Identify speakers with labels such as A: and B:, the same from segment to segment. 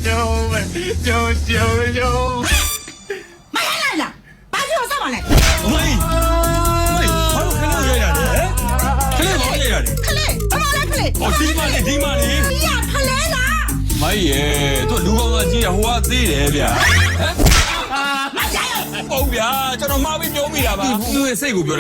A: မရလိုက်လားဘာလို့ဆောက်ပါလဲ
B: အမေဘာလို့ခဏရရတယ်ခဏဘာရရတယ်
A: ခလေးဘာလဲခလေး
B: ဟောဒီမလေး
A: မရခလေးလား
B: မိုင်းရဲ့သူလူကောင်းသားကြီးကဟိုကသေးတယ်ဗျာ
A: မရရ
B: ဟုတ်ဗျာကျွန်တော်မှားပြီးပြောမိတာပါသူ့ရဲ့စိတ်ကိုပြောတာ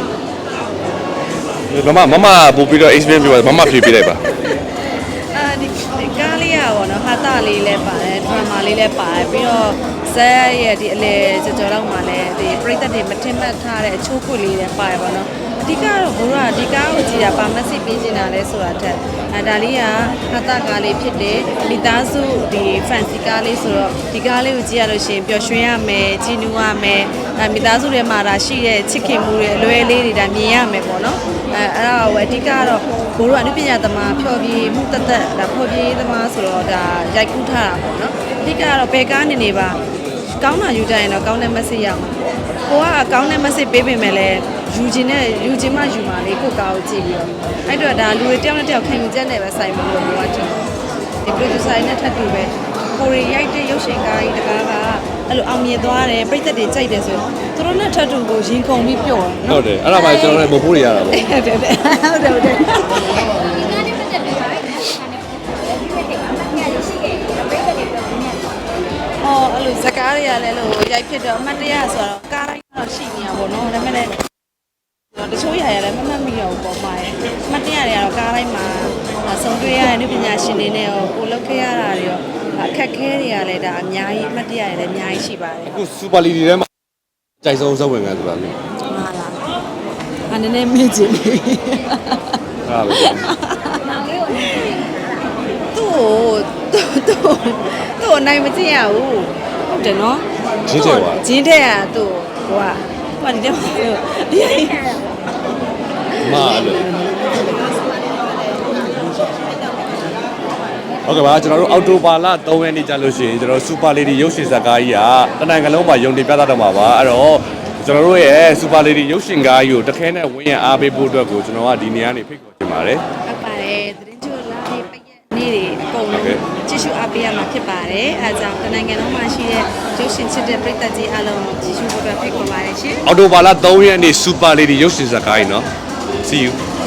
C: မမပို့ပြီးတော့ experience ပြောပါမမဖြေပြလိုက်ပါ
D: ဒီကားလေးရပါတော့ဟာတာလေးလည်းပါတယ်ဒရမာလေးလည်းပါတယ်ပြီးတော့ဇက်ရဲ့ဒီအလေကြော်တော့မှလည်းဒီပရိသတ်တွေမထင်မှတ်ထားတဲ့အချိုးခွေလေးလည်းပါတယ်ပေါ့နော်အဓိကတော့ဘိုးကဒီကားကိုကြည့်တာပါမက်ဆေ့ပေးနေတာလဲဆိုတာတက်ဒါလေးကဟာတာကားလေးဖြစ်တယ်မိသားစုဒီ fancy ကားလေးဆိုတော့ဒီကားလေးကိုကြည့်ရလို့ရှိရင်ပျော်ရွှင်ရမယ်ကြည်နူးရမယ်မိသားစုတွေမှာဒါရှိတဲ့ချစ်ခင်မှုတွေအလွယ်လေးတွေဒါမြင်ရမယ်ပေါ့နော်အဲ့ဒါကိုအဓိကတော့ဘိုးတို့အနုပညာသမားဖျော်ဖြေမှုတသက်ဒါဖော်ဖြေသမားဆိုတော့ဒါရိုက်ကူးထားတာပေါ့နော်အဓိကတော့ဘယ်ကားနေပါကောင်းတာယူကြရင်တော့ကောင်းတဲ့ message ရမှာကိုကကောင်းတဲ့ message ပေးပေမဲ့လည်းယူခြင်းမှယူမှာလေကိုကားကိုကြည့်ပြီးတော့အဲ့တော့ဒါလူတွေတယောက်နဲ့တယောက်ခံယူချက်နဲ့ပဲဆိုင်လို့ပြောတာတင်ဒီ producer နဲ့ထပ်တူပဲကိုရီရိုက်တဲ့ရုပ်ရှင်ကားကြီးတကားကအဲ့လိုအောင်မြင်သွားတယ်ပြိသက်တွေကြိုက်တယ်ဆိုရင်သူတို့နဲ့ထပ်တူကိုရင်ခုန်ပြီးပြောတယ်နော်
C: ဟုတ်တယ်အဲ့ဒါမှကျွန်တော်လည်းမဖို့ရရတာပေါ့
D: ဟုတ်တယ်ဟုတ်တယ်အဲ့လိုဇကားတွေကလည်းလို့ရိုက်ဖြစ်တော့အမှတ်တရဆိုတော့ကားတိုင်းတော့ရှိနေတာပေါ့နော်ဒါပေမဲ့တချို့ຢာရလည်းမမှတ်မိတော့ဘူးပေါ့မှာရဲ့အမှတ်တရတွေကတော့ကားတိုင်းမှာဆုံးတွေ့ရတဲ့နုပညာရှင်တွေနဲ့ရောကိုလောက်ခဲ့ရတာတွေရောအခက်ခဲတွေကလည်းဒါအများကြီးအမှတ်တရတွေလည်းအများကြီးရှိပါတယ်
C: အခု super league ထဲမှာကြိုက်ဆုံးဇက်ဝင်ခံဆိုတာမျိုး
D: ဟာလားအနေနဲ့မေ့ကြည့်
C: အဲ့ဒါပဲ
D: သူ့အနိုင်မကြည့်ရဘူးဟုတ်တယ်နော်
C: ဂျင်းတဲ့ပါ
D: ဂျင်းတဲ့ကသူ့ဟိုကဒီတဲ့ဒီ
C: မာလို့ဟုတ်ကဲ့ပါကျွန်တော်တို့အော်တိုဘာလ3ရက်နေ့ကြာလို့ရှိရင်ကျွန်တော် super lady ရုပ်ရှင်ဇာတ်ကားကြီးကတနင်္ဂနွေလုံးမှာရုံတင်ပြသတော့မှာပါအဲ့တော့ကျွန်တော်တို့ရဲ့ super lady ရုပ်ရှင်ကားကြီးကိုတခဲနဲ့ဝင်းရအားပေးဖို့အတွက်ကိုကျွန်တော်ကဒီနေရာနေဖိတ်ခေါ်ချင်ပါတယ်
D: ဟုတ်ပါတယ်သတင်းချိုလာလေးပိတ်ရက်နေ့တွေအကုန်လုံးကြည့်ရှုအားပေးရမှာဖြစ်ပါတယ်အဲဒါကြောင့်တနင်္ဂနွေလုံးမှာရှိတဲ့ရုပ်ရှင်ချစ်တဲ့ပရိသတ်ကြီးအားလုံးကြည့်ရှုဖို့အတွက်ဖိတ်ခေါ်ပါတယ်ရှင်
C: အော်တိုဘာလ3ရက်နေ့ super lady ရုပ်ရှင်ဇာတ်ကားကြီးเนาะ see you